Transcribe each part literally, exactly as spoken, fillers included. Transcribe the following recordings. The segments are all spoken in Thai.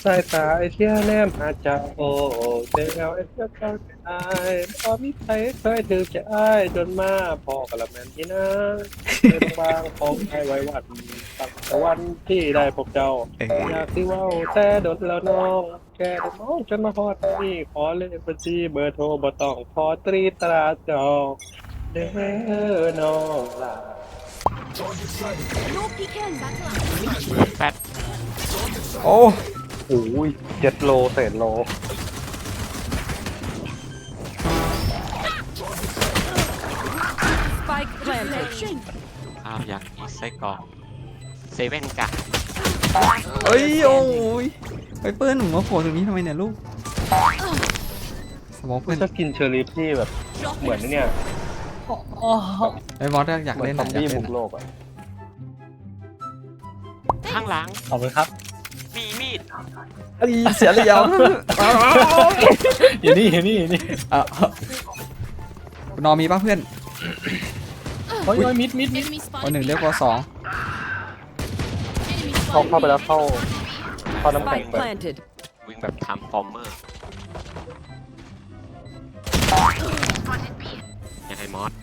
สายตาไอเชี่ยแนมหาเจ้าโอ้เจ้าไอเชี่ยเจ้าไอ้พอมีใครเคยถือใจอ้ายจนมาพอกะละแมนที่นะเคยบางๆของไอ้ไว้วันตั้งแต่วันที่ได้พบเจ้าอยากที่ว่าแต่โดนแล้วน้องแกได้มองจนมาฮอดนี่ขอเลขบัญชีเบอร์โทรบ่ต้องขอตรีตราจองเด้อน้องลา No peeking. แฟดโอ้โอ้ยเจ็ดโลเศษโล Spike planted. อ้าวอยากอีไส้กรอกเซเว่นกะเอ้ยโอ้ยไปเปิ้ลหนูมาโผล่ตรงนี้ทำไมเนี่ยลูกสมองเพื่อนชอบกินเชอร์รี่ที่แบบเหมือนเนี่ยไอ้บอสอยากเหมือนเล่นซอะอมอยากบี้เล่บุนกอะโลกอ่ะข้างหลังขอบคุณครับมีมีดเอ้ยเสียเหลี่ยมอยู่นี่อยู่นี่อยู่นี่อ่ะนอมีป่ะเพื่อนโอ้ยโอ้ยมิดมิดมิด Enemy วัน spotted. หนึ่งเรียกว่าสอง Enemy เข้า spotted. เข้าไปแล้วเข้าเข้าน้ำแข็ง Spike ไป planted. วิ่งแบบทำฟอร์เมอร์ยังไงมอส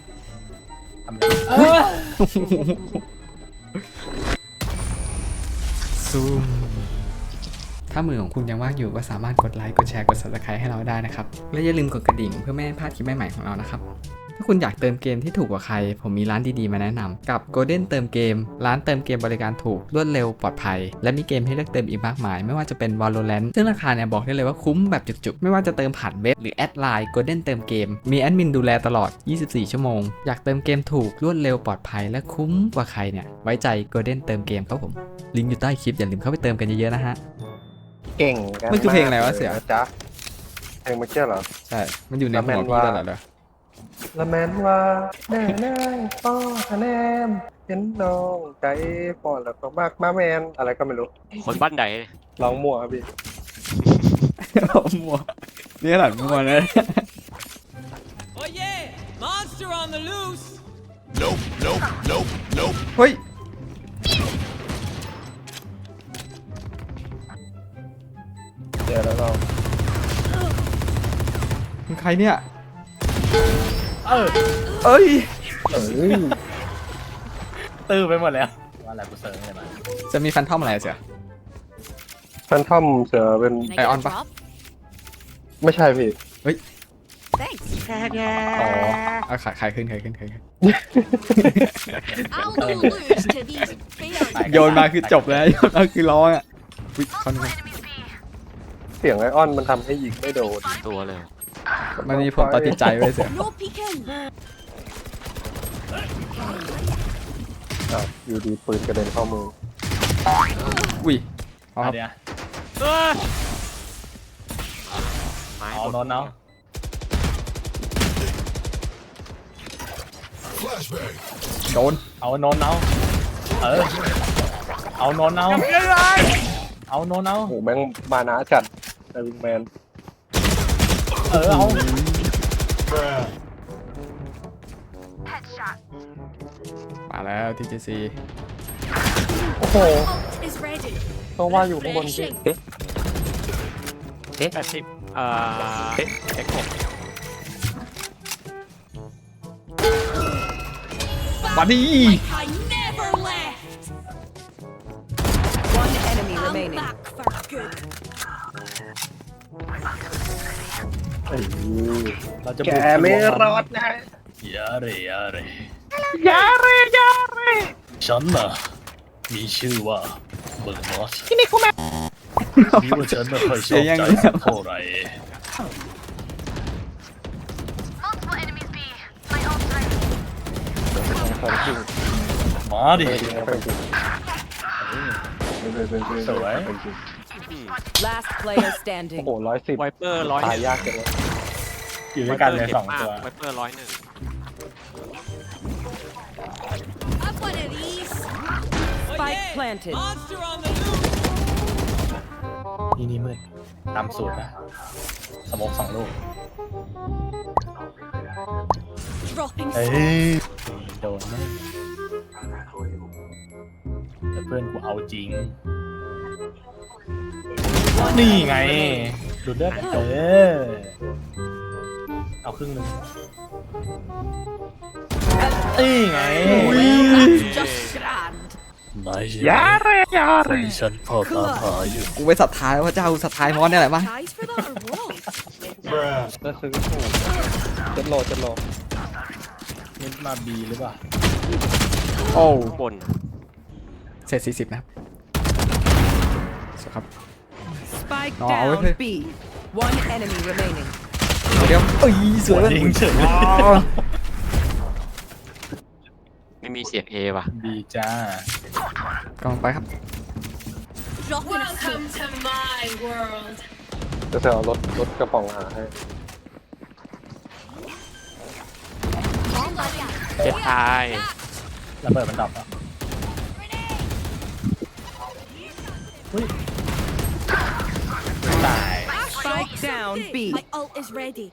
ซูมถ้ามือของคุณยังว่างอยู่ก็สามารถกดไลค์กดแชร์กด ซับสไครบ์ ให้เราได้นะครับและอย่าลืมกดกระดิ่งเพื่อไม่ให้พลาดคลิปใหม่ๆของเรานะครับถ้าคุณอยากเติมเกมที่ถูกกว่าใครผมมีร้านดีๆมาแนะนำกับ Golden เติมเกมร้านเติมเกมบริการถูกรวดเร็วปลอดภัยและมีเกมให้เลือกเติมอีกมากมายไม่ว่าจะเป็น Valorant ซึ่งราคาเนี่ยบอกได้เลยว่าคุ้มแบบจุกๆไม่ว่าจะเติมผ่านเว็บหรือแอดไลน์ Golden เติมเกมมีแอดมินดูแลตลอดยี่สิบสี่ชั่วโมงอยากเติมเกมถูกรวดเร็วปลอดภัยและคุ้มกว่าใครเนี่ยไว้ใจ Golden เติมเกมครับผมลิงก์อยู่ใต้คลิปอย่าลืมเข้าไปเติมกันเยอะๆนะฮะเก่งกันมันคือเพลงอะไรวะเสี่ยนจ๊ะเพลงเมื่อกี้เหรอใช่มันอยู่ในหัวแล้วแมนพี่ว่าตลอดเลยละแมนว่าแน่แน่ป้อคะแนนเห็นน้องใจป้อนแล้วก็มากมาแมนอะไรก็ไม่รู้คนบ้านใดร้องมั่วครับพี่มัวนี่ขนาดมัวเลย Oh yeah! Monster on the loose! เฮ้ยเจอแล้วเรามึงใครเนี่ยเออเอ้ยเอ้ยตื้อไปหมดแล้วว่าอะไรกูเซิร์ฟเลยมาจะมีแฟนทอมอะไรเสียแฟนทอมเสือเป็น Can I Hey, get on a ba- drop? ไม่ใช่พี่ Thanks. อ๋อเอาขายขายขึ้นขายขึ้นขายขึ้น I'll do lose to these bears. โยนมาคือจบเลยโยนมาคือร้องอ่ะวิคอนเสียงไอออนมันทำให้ยิงไม่โดนตัวเลยมันมีผลต่อจิตใจไว้ยเสีย No peeking. อ่ะอยู่ดีปืนกระเด็นเข้ามืออุ้ยเอาคอ่ะรับเดี๋ยวเอ้ยไม้เอาหมดโนนเอาโดนเอาโนนเอาเออเอาโนนเอาเอาโนนเอาโอ้โหแม่งมานะจัดไดวิงแมนเออเอามาแล้ว ที เจ ซีโอ้โห Ult is ready. ต้องว่าอยู่ข้างบนพี่ Refreshing. แปดสิบเอ่อเอ็กหกมาดี Like I never left. One enemy I'm remaining. back for good. เอ้ยเราจะแกบุกไม่รอดนะยาเรยาเรยาเรยาเรฉันน่ะมีชื่อว่าเบอร์นอสที่นี่กูแม่นี่ว่าฉันไม่ค่อยชอบใจสักเท่าไหร่ มาดิ สวย Last player โอ้ standing. โหร้อยสิบไวเปอร์ร้อยตายยากจังเลยอยู่ด้วยกันเลยสองตัวไวเปอร์ร้อยหนึ่ง I've one of these. Oh Spike yeah! planted. Monster on the loose! นี่นี่มืดตามสูตรนะสมองสองลูก Dropping เอ้ smoke. ยโดนมั้ยแต่เพื่อนกูเอาจริงนี่ไงดูดเลือดเออเอาครึ่งหนึงนี่ไง Just grand. ยาเรยาเรฉันพอตามหาอยู่กูไปศรัทธาพระเจ้าศรัทธามอนเนี่ยแหละมั้ง Prize for that or what? ก็คือจะโหลดจะโหลดนี่มาบีหรือเปล่าโอ้ข้างบนเสร็จสี่สิบนะครับสวัสดีครับ Spike No, I down would- B. One enemy remaining. เดี๋ยวเอ้ยสวยยิงเฉยอ๋อไม่มีเสียงเอว่ะบีจ้ากำลังไปครับ Dropping a smoke. จะเสียรถรถกระป๋องหาให้ Bomb buddy out. เจ็บตายระเบิดมันดับอ่ะอุ้ยตาย Spike down B. My ult is ready.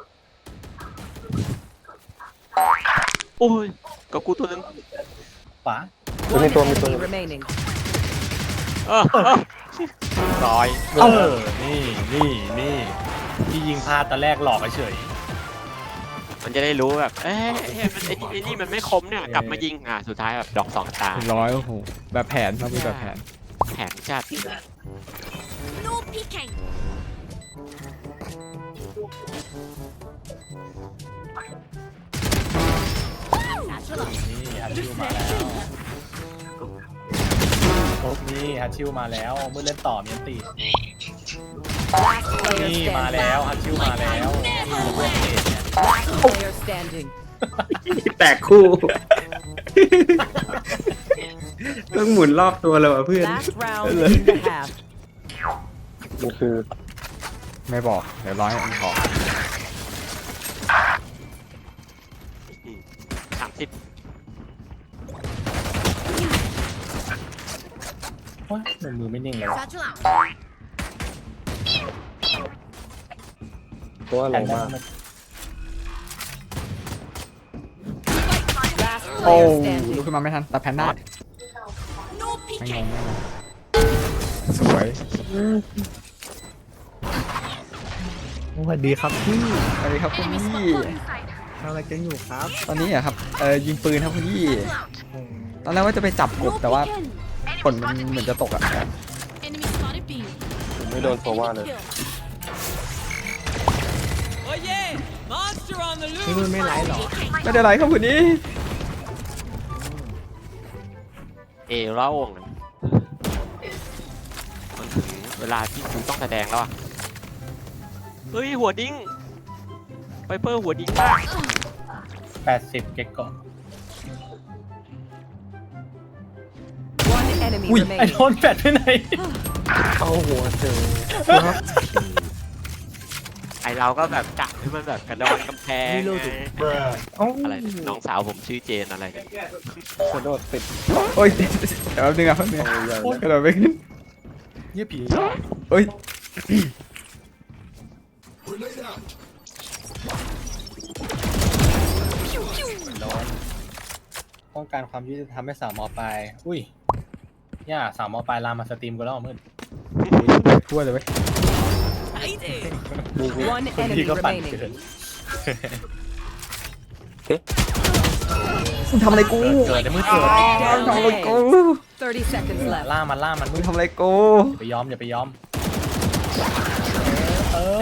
โอ้ยก็กูตัวนึงขวา One Ini tuh, ini enemy tuh. remaining. เออเออร้อยเออนี่นี่นี่ที่ยิงพลาดตอนแรกหลอกเฉยมันจะได้รู้แบบ เอ้ยเอ้ยมันไอ้นี่ไอ้นี่มันไม่คมเนี่ยกลับมายิงอ่ะสุดท้ายแบบดอกสองตาร้อยโอ้โหแบบแผนเรามีแบบแผนแผนจัด No peeking. นี่ฮัตชิวมาแล้วนี่ฮัตชิวมาแล้วเมื่อเล่นต่อมีอันตี Last player นี่มา standing. แล้วฮัตชิวมาแล้วนี่พวกเอกเนี่ย Last player standing. แตกคู่ต้องหมุนรอบตัวเลยว่ะเพื่อน Last round in the half. มันคือไม่บอกเดี๋ยวร้อยอันขอสามสิบโอ๊ยมือไม่นิ่งเลยวะ Satchel out. ตัวอะไรมาก Last โอ้ player ลุก standing. ขึ้นมาไม่ทันแต่แพนด้า No ไม่ง peeking. งไม่งงสวยสวัสดีครับพี่สวัสดีครับคุณ Enemy พี่ spot one. ทำอะไรกันอยู่ครับตอนนี้เหรอะครับเออยิงปืนครับคุณพี่ตอนแรกว่าจะไปจับกบ No แต่ว่า peeking. ผลมันเหมือนจะตกอะ Enemy spotted B. ผมไม่โดนโซว่าเลย Kill. Oh yeah! Monster on the นี่ loose! มันไม่ไลฟ์หรอไม่ได้ไรครับคุณพี่เอเล่าองค์มันถึงเวลาที่กูต้องแสดงแล้วอ่ะ เฮ้ย หัวดิ้งไวเปอร์หัวดิ้งมากแปดสิบเก็กก่อน One enemy ไอ้โด remaining. นแปดไปไหนเข้าหัวเจอไอเราก็แบบจับให้มันแบบกระโดดกำแพงไงเอ้าอะไรน้องสาวผมชื่อเจนอะไรเนี่ยกระโดดติดโอ้ยเดี๋ยวแป๊บนึงอะแป๊บนึงอะใหญ่กระโดดไปขึ้นเยี่ยผีเอ้ยโดนต้องการความยุติธรรมให้สาวมอปลายอุ้ยย่าสาวมอปลายลามมาสตรีมกูแล้วมืดทั่วเลยเว้ย One คน enemy ที่ก็ปั่น remaining. เกินมึงทำอะไรกูเกิดในมือเกิดมึงทำอะไรกู Thirty seconds left. ล่ามันล่ามันมึมึงงทำอะไรกูอย่าไปยอมอย่าไปยอมเออ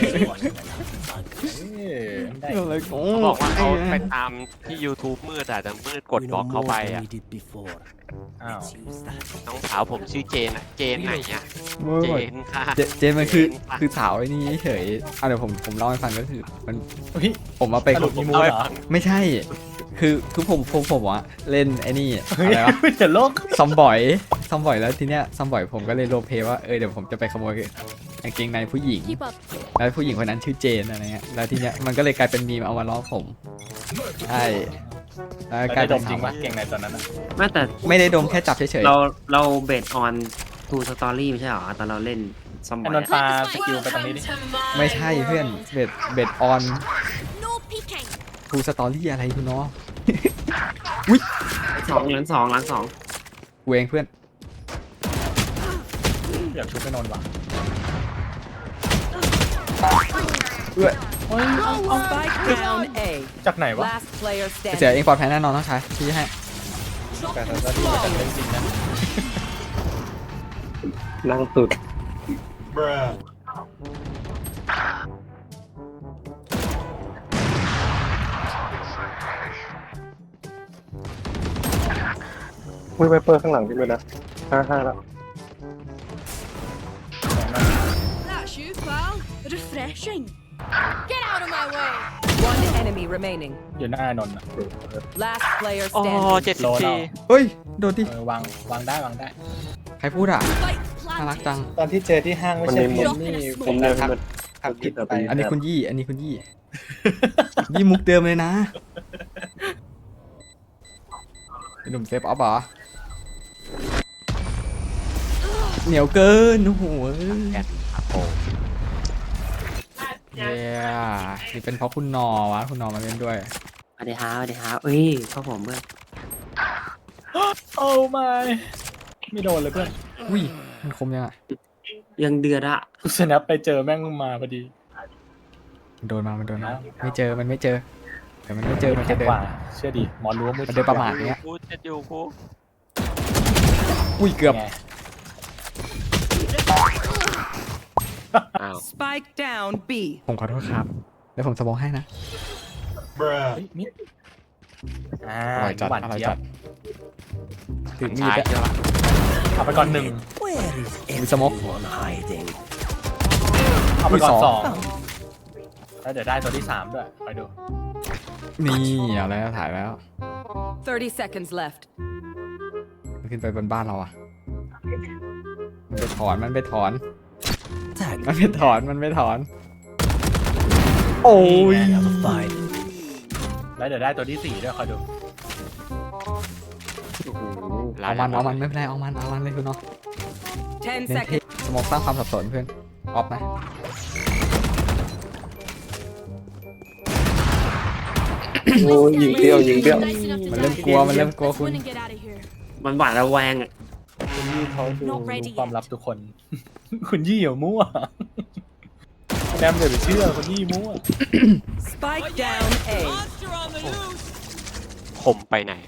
ได้ทำอะไรกูเขาบอกว่าเขาไปตามที่ YouTube มืดอ่ะแต่มืดกดบล็อกเข้าไปอ่ะอ้าวน้องสาวผมชื่อเจนอ่ะ เจนไหนอ่ะมึงเจแบบนค่ะเจเจนมันคือเจค่ะคือสาวไอ้นี่เฉยอ่ะเดี๋ยวผมผมเล่าให้ฟังก็คือมันเฮ้ยผมมาไปสรุปมีมูเอาลไปเหรอฟังไม่ใช่ คือคือผมผมผมอะเล่นไอ้นี่เฮ้ยอะไรวะเดี๋ยวโลกซอมบอยซอมบอยแล้วทีเนี้ยซอมบอยผมก็เลยโรลเพลย์ว่าเออเดี๋ยวผมจะไปขโมยกางเกงในผู้หญิง Keep up. แล้วผู้หญิงคนนั้นชื่อเจนอะไรเงี้ยแล้วทีเนี้ยมันก็เลยกลายเป็นมีมเอามาล้อผมใช่แล้วเรากลายได้ดเป็นมจริงปะเก่งในตอนนั้นอะไม่แต่ไม่ได้ดมแค่จับเฉยเราเราเบสออนทูสตอรี่ไม่ใช่เหรอตอนเราเล่นซอมบไอ้อน ยนท์ปลาสกิลไปตรงนี้ดิๆไม่ใช่เพื่อนเบ็ดเบ็ดออน No peeking. ทูสตอรี่อะไรคุณน้องสองหลังสองหลังสองกูเองเพื่อนอยากชุบไปนอนว่ะเอื้อเฮ้ยเอาเอา Spike down A. จากไหนวะ Last player เสีย standing. เองปลอดภัยแน่นอนต้องใช้ชี้ให้แต่ตอนนี้มันจะเล่นจริงนะนั่งสุดวิ่งไปเปิดข้างหลังพี่เลยนะห้าห้าแล้ว That's you, pal. Refreshing. Get out of my way. One enemy remaining. อยู่หน้านนท์อะ Last player อ๋อ standing. เจ็ดสิบโลเราสี่เฮ้ย โดนดิเออวางวางได้วางได้ใครพูดอ่ะ Spike น่ารักจัง planted. ตอนที่เจอที่ห้างไม่ใช่พี่เอมมี่ผผมมเลยทักมันทักผิดไปอันนี้คุณยี่ อันนี้คุณยี่ ยี่มุกเดิมเลยนะเป็นหนุ่มเซฟออฟเหรอ เหนียวเกิน โอ้โหแกนครับโอ้เย้นี่เป็นเพราะคุณนอวะ คุณนอมาเล่นด้วยสวัสดีครับสวัสดีครับเอ้ยเข้าผมเพื่อนโอ้ไม่ไม่โดนเลยเพื่อนอุ้ย มันคมยังอ่ะยังเดือดอะสแนปไปเจอแม่งมาพอดีมันโดนมา มันโดนมา ไม่เจอ มันไม่เจอแต่มันไม่เจอ มันจะเดิกนว่าเชื่อดิหมอรู้ว่ามือมันเดินประมาทเนี้ยกูเจ็ดอยู่กูอุ้ย เกือบไงอ้าว Spike down B. ผมขอโทษครับ แล้วผมสมองให้นะเฮ้ยมิดอ่าอร่อยจัดหวานอร่อยเจี๊ยจับดถือมีชาดยอะเจอละเอาไปก่อนหนึ่งมีสมองเอาไปก่อนมีสสออง งแล้วเดี๋ยวได้ตัวที่สามด้วยไปดูนี่เอาแล้วถ่ายแล้ว thirty seconds left. มันขึ้นไปบนบ้านเราอ่ะ มันไปถอน มันไปถอน มันไปถอน มันไปถอน โอ้ยแล้วเดี๋ยวได้ตัวที่สี่ด้วยคอยดูเอามัน เอามัน ไม่เป็นไร เอามัน เอามันเลยคุณเนาะ Ten เน้นเท seconds. สมองสร้างความสับสนเพื่อน ออฟนะโอ้ยยิงเดียวยิงเดียว Nice enough to มันเริ่ม die. กลัว มันเริ่มกลัว Let's คุณ win and get out of here. มันหวาดระแวงอะคุณยี่เขาดู Not ready ความลับทุกคน คุณยี่อย่ามั่วแนมเดี๋ยวไปเชื่อคุณยี่มั่ว Spike down A. Monster on the loose. ผมไปไหน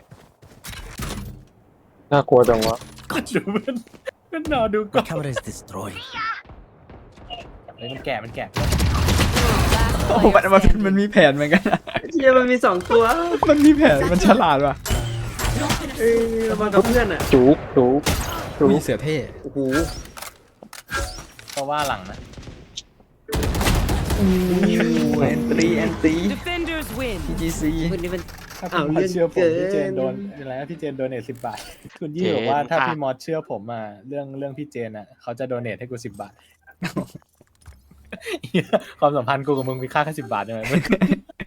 น่ากลัวจังวะดูเพื่อนเพื่อนนอนดูก่อน Camera is destroyed เฮ้ยมันแก่มันแก่ Last โอ้โหมัน player มัน standing. มันมีแผนเหมือนกันนะเชี่ยมันมีสองตัวมันมีแผน มันฉลาดว่ะเอ้ยเรามากับเพื่อนอะจุกจุกจุมีกเสือเท่โอ้โหเพราะว่าหลังนะแอนตรีแอนตรี Defenders win. พีจีซีคนนี้มันถ้าอ้าวพี่มอสเชื่อผมเรื่องพี่เจนเกินโดนอะไรนะพี่เจนโดเนทสิบบาท คุณยี่เจนบอกว่าถ้าค่ะพี่มอสเชื่อผมมาเรื่องเรื่องพี่เจนอ่ะเขาจะโดเนทให้กูสิบบาท ความสัมพันธ์กูกับมึงมีค่าแค่สิบบาทใช่ไหม